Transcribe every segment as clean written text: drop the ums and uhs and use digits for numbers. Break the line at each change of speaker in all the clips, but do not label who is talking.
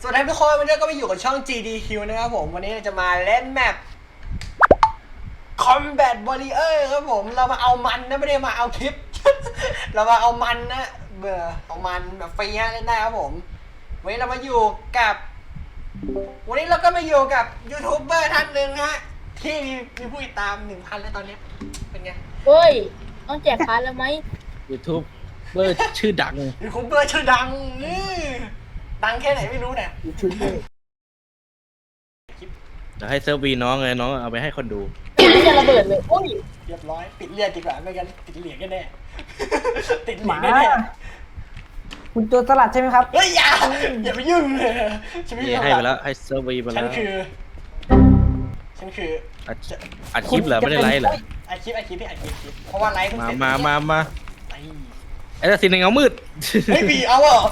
วัสดีทุกคนวันนี้ก็ไปอยู่กับช่อง GDQ นะครับผมวันนี้เราจะมาเล่นแมป Combat Warrior ครับผมเรามาเอามันนะไม่ได้มาเอาคลิป เรามาเอามันนะเบื่อเอามันแบบฟรีฮะเล่นได้ครับผมวันนี้เรามาอยู่กับวันนี้เราก็มาอยู่กับยูทูบเบอร์ท่านหนึ่งฮะที่มีผู้ติดตาม 1,000 แล้วตอนนี้เป็นไง
เฮ้ย ต้องแจกพาร์ทแล้วไหม
YouTube เบอร์ชื่อดัง
ยูทูบเบอร์ชื่อดังดังแค่ไหนไม่รู้เนี่ย
ชุดเลย
จะให้เซิร์ฟวีน้องเลยน้องเอาไปให้คนดู
ไม่จะระเบิดเลยโอ้ย
เรียบร้อยปิดเลือดดีกว่าไม่งั้นติดเหรียญกันแน่ ติดเหรี
ห
ย
มา
ญแน่
คุณโจรสลัดใช่ไหมครับ
เฮ้ยอย่าไปยุ่งเลยฉันไม่
นี่
ยุ่ง
ให้ไปแล้วให้เซิร์ฟวีไป
ฉั
แล้
น
ว
คือ
อัดคลิปเหรอไม่ได้ไลฟ์เหรอ
ไอคลิปที่ไอคลิปเพราะว่าไลฟ์เพิ่งเสร็จ
มาไอ้สินในเงามืด
เฮ้ยบีเอาเหรอ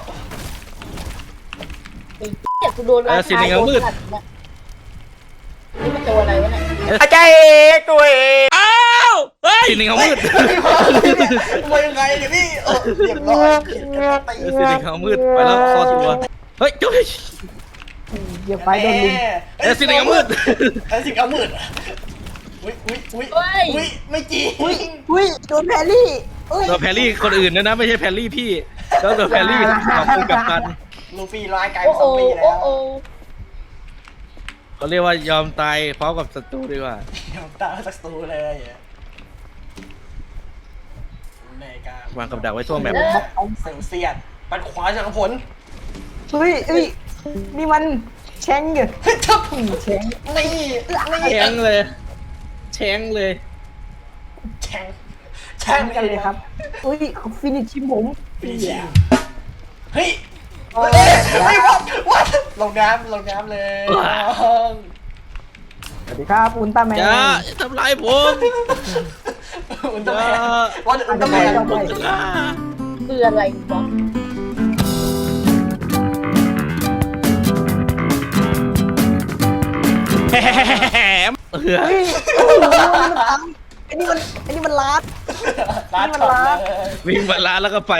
ไอ้เหี้ยกูโดนรา
สิ
คา
ในเงามืด
โดนตัเนี่ยนี่มันตัวอะไรวะเนี่ย
อาจารย์เอกตัวเอง
สินในเงามืด
มายังไงเนี่ยพี่เรียบร้อยผิดกันตี
สินในเงามืดไปแล้วคอตัวเฮ้ยจุ๊ย
เดี๋ยวไปโดนลุม
สินในเงามืด
สินเงามืดอุ้ยไม่จริง
อุ้ยโดนแพรรี่อุ้ย
ตัวแพรรี่คนอื่นนะไม่ใช่แพรรี่พี่แล้วตัวแพรรี่ของคุณกับกัน
ลูฟี่ร้ายกาย
โอ้
เป็นซอ
โห
มบี้แล้
โอ้
ว
โห
เขาเรียกว่ายอมตายพร้อมกับศัตรูดีกว่า
ตาสักตูเลยในการ
วางกับดักไว้ทั่วแมป
เซลเซียนปัดขวาจากผล
อุ้ยนี่มันแชงอยู่
เฮ้ยทับ
แชง
นี่
แช้งเลยแช้งเลย
แช่ง
แชงกันเลยครับอุ้ยเขาฟินิชชิมผม
เฮ้ยวัดลงน้ำเลย
สวัสดีครับอุลตร้าแมน
อย่าทำลายผม
อุลตร้าแมนวัดอุลตร้าแมน
คืออะไรวะ
แหม
อุ้ยโอ้โหอันนี้มันลัด
ร้านช็อปเลย
วิ่งมาร้านแล้วก็ไป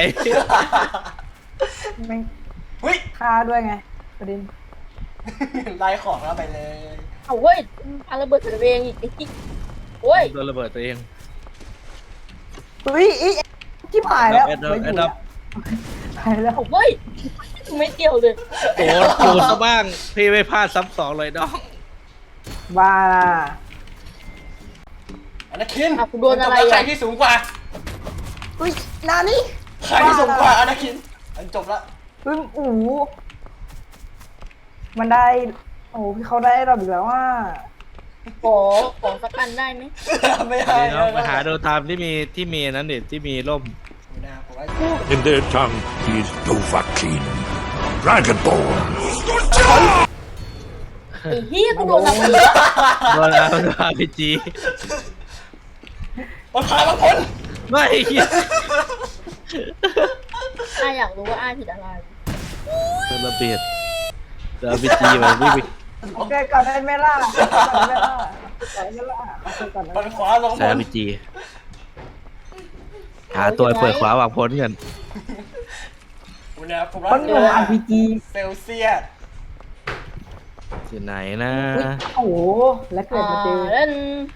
แม่ง
เฮ้ย
ฆ่าด้วยไงประเด็น
ไล่ของแล้วไปเลย
เอาเว้ยพาระเบิดใส่ตัวเองอีกไอ้ที่โอ้ย
โดนระเบิดตัวเอง
อุ้ยอีที่หายแล้ว
แอดดับ
หายแล้ว
เอาเว้ยไม่เกี่ยวเลย
โอ้โหซะบ้างพี่ไม่พลาดซ้ำสองเลยน้อง
ว่า
อนาคิน
อ่ะกูโดนอะไร
ใคร
อ่ะ
ที่สูงกว่า
อุ้ยนานี่
ใครที่สูงกว่าอนาคินจบละ
อุ้ยโอ้โหมันได้โอ้โหพี่เขาได้เราอีกแล้วว่า
ขอสักอันได้ไหม
ไม่ได้
น้องมาหาดูตามที่มีนั้นดิที่มีร่ม
In their tongue, he is Dovahkiin, Dragonborn.
ไอ้เหี้ยกูโดนอะไรวะ
โดนแล้วพีจี
มันพามาพ้น
ไม่เหี้ย
อ้าอยากรู้ว่าอ้าผิดอะไร
โดนระเบียดโดนพีจีแบบวิ่ง
โอเคก่อนได้ไหมล่ะก่อนได้ไหมล่ะก่อนได้ไหมล่ะก่อนได้
มัน
ไหม
ขวาลง
แซ่พีจีหาตัวเปิดขวาวางพ้นกัน
ผม
คนอยู่ RPG
เซลเซียส
ที่ไหนนะ
อุ๊ยโอ้โหแล้วเกิดมาเจอ
เล่น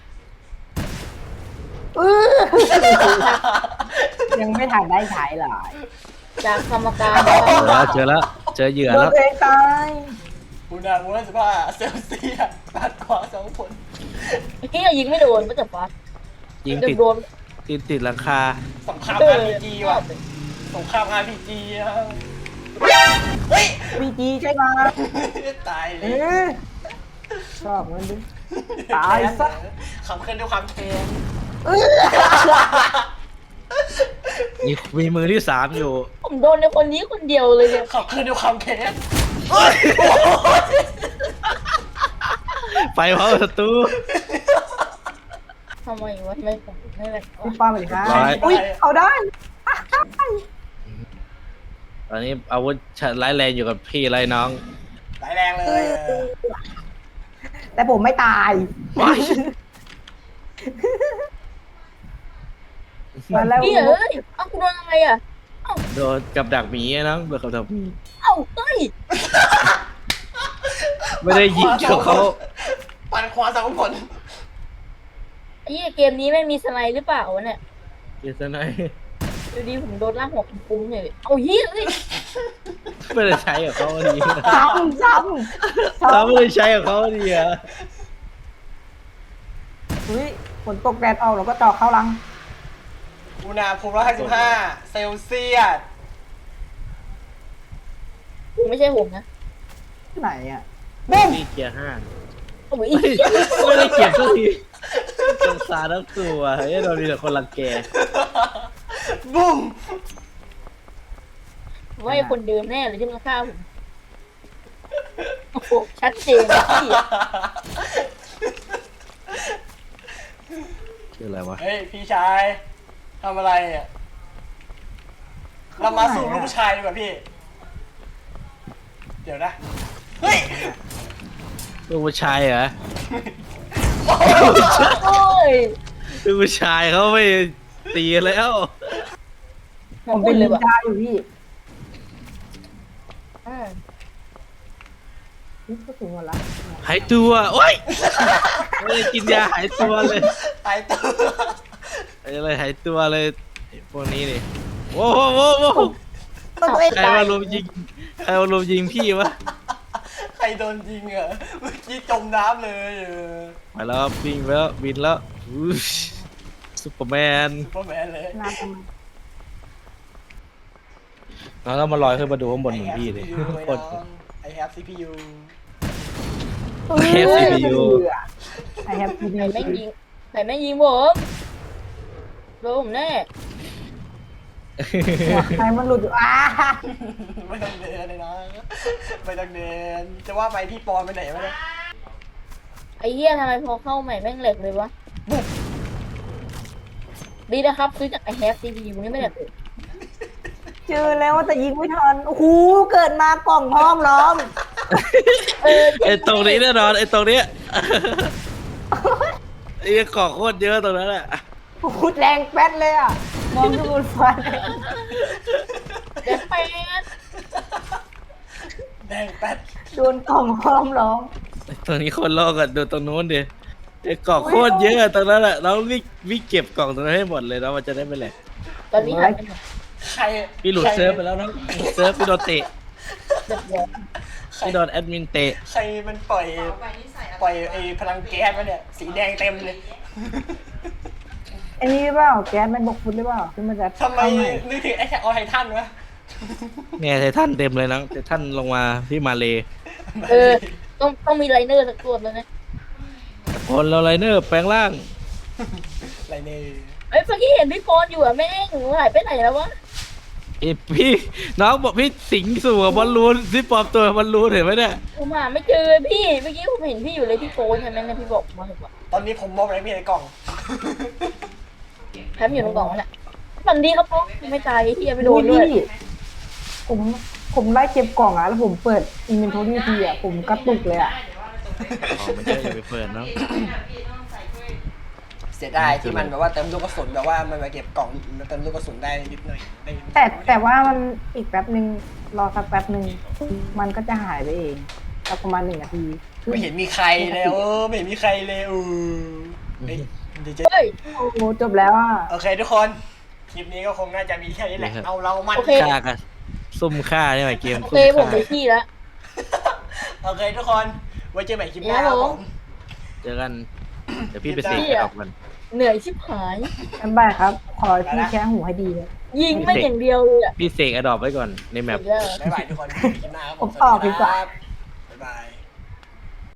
ยังไม่ทันได้ใช้เลย
จากกรรมการ
เจอแล้วเจอเหยื่อ
โดน
แล้ว
ตัวเองตาย
คุณรู้สึกว่าเซลเซียสปัดขวา2 ผล
เหี้ยยิงไม่โดนไม่จับฟัด
ยิง
เดี๋ย
ติด
วโดน
ติดหลังคา
สงคราม RPG ว่ะสงคราม RPG นะเฮ้ย
พีจีใช่ไหม
ตายเล
เอย อชอบมันดิตายซะ
ขับเคลื่อนด้วยความแค้น
มีมือที่สามอยู่
ผมโดนในคนนี้คนเดียวเลยเนี่ย
ขับเคลื่อนด้วยความแค้น
ไปเพราะศัตรู
ทำไมวะไม่แบบ
คุณป้าไปเลยครับ
ร้อย
อุ้ยเอาได้
ตอนนี้อาวุธร้ายแรงอยู่กับพี่ไรน้อง
หลายแรงเลย
แต่ผมไม่ตายมาแล้ว
พี่เอ้ยเอ้ากูโดนอะไรอ่ะ
โดนกับดักหมีน้องโดนกับดักหมี
เอ้าเฮ้ย
ไม่ได้ยิงเกี่ยวเขา
ปันขวาสองผล
ไอ้เหี้ยเกมนี้ไม่มีสไนด์หรือเปล่าวะเนี่ย
เดี๋ยวจะไหน
ดูดีผมโดนลากหัวปุ้มเลยเอาเหี้ยสิ
ไม่ได้ใช้กับเขาดี
ซ้ำ
เราไม่ได้ใช้กับเขาดีอะ
อุ้ยฝนตกแดดออกเราก็ต่อเข้ารัง
อุณหภูมิ155เซลเซียส
ไม่ใช่ผมนะ
ที่ไหนอ่ะ
นี่เกียร์5
โอ้ย
ไม่ได้เก็บสักทีสงสารทั้งตัวเฮ้ยเรามีแต่คนรังแก
บุ้ม
ว่าไอ้คนเดิมแน่เลยที่มันฆ่าผมโอ้โหชัดเจนนะพี่
คืออะไรวะ
เฮ้ยพี่ชายทำอะไรอ่ะเรามาสู่ลูกผู้ชายดีกว่าพี่ เดี๋ยวนะเฮ้ย
ลูกผู้ชายเหรอ
โอ้ย
ลูกผู้ชายเขาไม่ตีแล้ว
ผมเป็น
เล
ลิ
ย
น
ว่ะ
ดาอยู่พี่
อ่า
นี่ก็ถึงหมดละ
หายตัวโอ๊ยไม่ได้กินยาหายตัวเลย
ตายตัว
อะไรหายตัวเลยไอ้พวกนี้นี่โว้โว้โว้โว้
ตัวเอง
ใคร
ตาย
มาลุมยิงใครมาลุมยิงพี่วะ
ใครโดนยิงเหรอเมื่อกี้จมน้ำเลย
ไปแล้ววิ่งไปแล้วบินแล้วอุ๊ยซุปเปอร์แมน
ซุปเปอร์แมนเลย
น้ำทำไม
แล้วเรามาลอยขึ้นมาดูข้างบนเหมือนพี่ดิโคตร
ไอแฮป CPU
เทป CPU
ไอแฮป
ใครแม่งยิงใครแม่งยิงผมโดนผมแน่
ใครมันหลุดอยู่
ไม่ต้องเดินเลยนะไม่ต้องเดินจะว่าไปพี่ปอนไปไหนวะเนี่ย
ไอ้เหี้ยทำไมพอเข้าใหม่แม่งเหล็กเลยวะดีนะครับซื้อจากไอแฮปซีพียูนี่ไม่เหล็กเลย
เจอแล้วแต่ยิงไม่ทันโอ้โหเกิดมากล่องห้อมล้อม
ไอ้ตรงนี้แน่นอนไอ้ตรงเนี้ยไอ้เกาะโคตรเยอะตรงนั้นแหละ
พูดแรงแป๊ดเลยอ่ะมองดูบนฟ้า
เดี๋ยวไป
แดงแป๊ด
โดนกล่องห้อมล้อม
ตรงนี้คนลอกกันดูตรงนู้นดิไอ้กล่องโคตรเยอะตรงนั้นแหละเราวิ่งเก็บกล่องตรงนั้นให้หมดเลยแล้วมันจะได้ไม่แหลก
ตอนนี้หายไปไหน
ใคร
พี่หลุดเซิร์ฟไปแล้วนะเซิร์ฟพี่โดนเตะ
เดือดร้อน
พี่โดนแอดมินเตะ
ใครมันปล่อยไอ้พลังแก๊สมาเนี่ยสีแดงเต็มเลย
ไอ้นี่หรือเปล่าแก๊สมันบกฟุตหรือเปล่าที่มันจะ
ทำไมนึกถึงไอ้แท็กออไททันวะ
เนี่ยไททันเต็มเลยนะไททันลงมาที่มาเล
ต้องมีไลเนอร์สักตัวแล้วนะ
คนเราไลเนอร์แปลงร่าง
อะไรเนี่ย
เอ้ยเมื่อกี้เห็นพี่โฟนอยู่อ่ะแม่งหายไปไหนแล้ววะ
ไอ้พี่น้องบอกพี่สิงสู่กับบอลลูนที่ปลอมตัวบอลลูนเห็นไหมเนี่ย
ผมหาไม่เจอพี่เมื่อกี้ผมเห็นพี่อยู่เลยพี่โฟนใช่ไหมเนี่ยพี่บอกมาถูกป่ะ
ตอนนี้ผมมองอะไรไม่เห็นในกล่อง
แถมอยู่ตรงกล่องนั่นแหละฝันดีครับพ่อไม่ตายที่ยังไม่โดนด้วย
พี่ผมไล่เก็บกล่องอ่ะแล้วผมเปิดอินเวนทอรี่ทีอ่ะผมกระตุกเลยอ่ะ
อ๋อไม่ใช่อย่าไปเปิดเนาะ
เสียดายที่มันแบบว่าเติมลูกกระสุนแบบว่ามันมาเก็บกล่องเติมลูกกระสุนได้นิดหน่อยได้
แต่ว่ามันอีกแป๊บหนึ่งรอสักแป๊บหนึ่งมันก็จะหายไปเองสักประมาณ1 นาที
ไม่เห็นมีใครเลยไม่เห็นมีใครเลยเฮ้ยเดี๋ยวจะ
เฮ้ย
โอ้โหจบแล้วอ่ะ
โอเคทุกคนคลิปนี้ก็คงน่าจะมีแค่นี้แหละเอาเรามัน
ฆ่ากันซุ่มฆ่าใช่ไหมเกม
โอ
ซุ่
เค
ม
ผม
ฆ่า
ไปที่แล้ว
โอเคทุกคนไว้เจอใหม่คลิปหน้าครับผม
เจอกันเดี๋ยวพี่ไปเสกออกกัน
เหนื่อยชิบหาย
บ๊ายบายครับ ขอพี่แค่หูให้ดีเลย
ยิงไม่อย่างเดียวเลยอ่ะ
พี่เสกอดอปไว้ก่อนในแมป
บ๊ายบายทุกคนคลิปหน้าครับผม
ผมออกดีกว่า
บ๊ายบาย